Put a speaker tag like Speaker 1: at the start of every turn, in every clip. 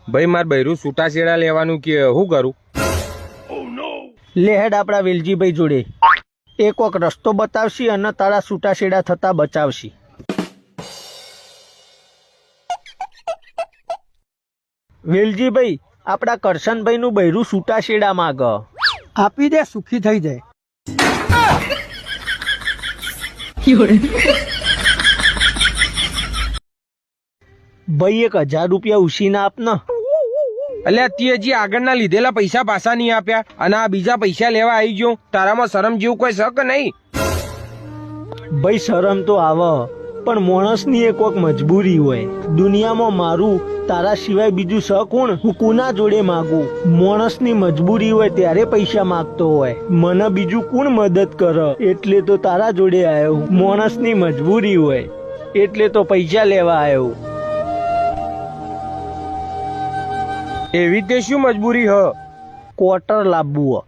Speaker 1: ભાઈ માર બૈરું છૂટાછેડા લેવાનું કે શું કરું?
Speaker 2: લેહેડ આપણા વેલજીભાઈ જોડે એ કોક રસ્તો બતાવશી અને તારા છૂટાછેડા થતા બચાવશી. વેલજીભાઈ આપણા કરશનભાઈ નું બૈરું છૂટાછેડા માગ.
Speaker 3: આપી દે, સુખી થઈ જાય.
Speaker 2: ભાઈ 1000 રૂપિયા ઉછીના આપને.
Speaker 1: અલ્યા તે હજી આગળના લીધેલા પૈસા પાછા નહીં આપ્યા અને આ બીજા પૈસા લેવા આવી ગયો. તારામાં શરમ જેવું કોઈ શક નહીં?
Speaker 2: ભાઈ શરમ તો આવે પણ માણસની એ કોક મજબૂરી હોય. દુનિયામાં મારું તારા સિવાય બીજું સ કોણ? હું કોના જોડે માગું? માણસની મજબૂરી હોય ત્યારે પૈસા માગતો હોય. મને બીજું કોણ મદદ કરે? એટલે તો તારા જોડે આવ્યો. માણસની મજબૂરી હોય એટલે તો પૈસા લેવા આવ્યો.
Speaker 1: એવી તે શું મજબૂરી હ?
Speaker 2: ક્વાર્ટર લાવવું.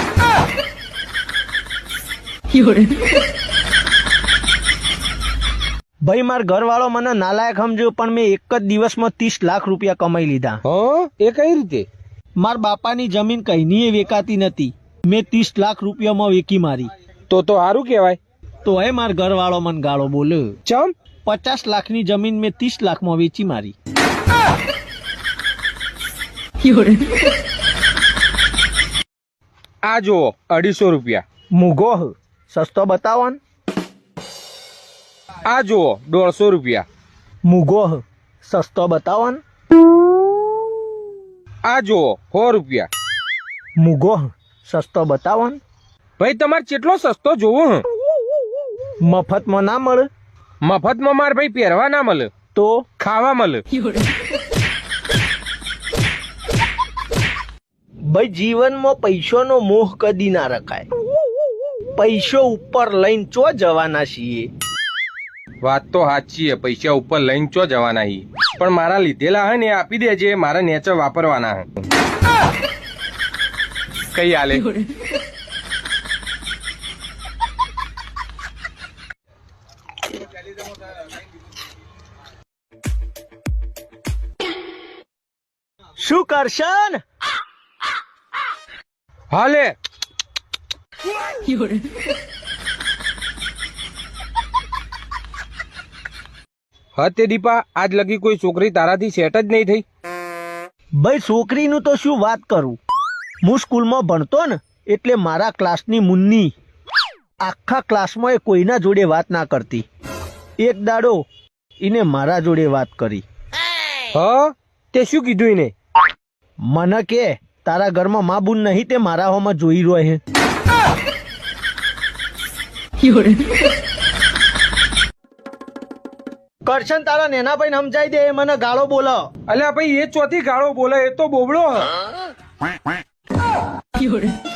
Speaker 2: ભાઈ માર ઘરવાળો મને નાલાયક સમજ્યો પણ મેં એક જ દિવસમાં 30 લાખ રૂપિયા કમાઈ લીધા.
Speaker 1: એ કઈ રીતે?
Speaker 2: માર બાપાની જમીન કઈની વેકાતી નથી, મેં 30 લાખ રૂપિયામાં વેકી મારી.
Speaker 1: તો સારું કહેવાય.
Speaker 2: તો હે માર ઘરવાળો મને ગાળો બોલ્યો.
Speaker 1: ચમ?
Speaker 2: 50 લાખની જમીન મેં 30 લાખમાં વેચી મારી.
Speaker 1: આ જુઓ 250 રૂપિયા.
Speaker 2: મૂગો સસ્તો બતાવો ને.
Speaker 1: આ જુઓ 150 રૂપિયા.
Speaker 2: મૂગો સસ્તો બતાવો ને.
Speaker 1: આ જુઓ 100 રૂપિયા.
Speaker 2: મૂગો સસ્તો બતાવો ને.
Speaker 1: ભાઈ તમારે કેટલો સસ્તો જોવો?
Speaker 2: મફતમાં ના મળે?
Speaker 1: મફતમાં માર ભાઈ પહેરવા ના મળે
Speaker 2: તો
Speaker 1: ખાવા મળે.
Speaker 2: ભાઈ જીવનમાં પૈસાનો મોહ કદી ના રખાય. પૈસો ઉપર લઈને ચો જવાના છીએ.
Speaker 1: વાત તો સાચી છે, પૈસા ઉપર લઈને ચો જવાના હી, પણ મારા લીધેલા હે ને એ આપી દેજે, મારા નેચે વાપરવાના હે. કઈ હાલે?
Speaker 2: શું કરશન?
Speaker 1: હાલે હા તે દીપા, આજ લગી કોઈ છોકરી તારાથી સેટ જ નહીં થઈ?
Speaker 2: ભાઈ છોકરીનું તો શું વાત કરું. હું સ્કૂલમાં ભણતો ને એટલે મારા ક્લાસની મુન્ની આખા ક્લાસમાં એ કોઈના જોડે વાત ના કરતી. એક દાડો એને મારા જોડે વાત કરી.
Speaker 1: હા તે શું કીધું એને?
Speaker 2: મને કે તારા ઘરમાં મા બુન નહીં તે મારા હોમાં જોઈ રહ્યો હે. કરશન તારા નેના ભાઈ સમજાઈ દે, એ મને ગાળો બોલો.
Speaker 1: અલ્યા ભાઈ એ ચોથી ગાળો બોલે, એ તો બોબડો હ.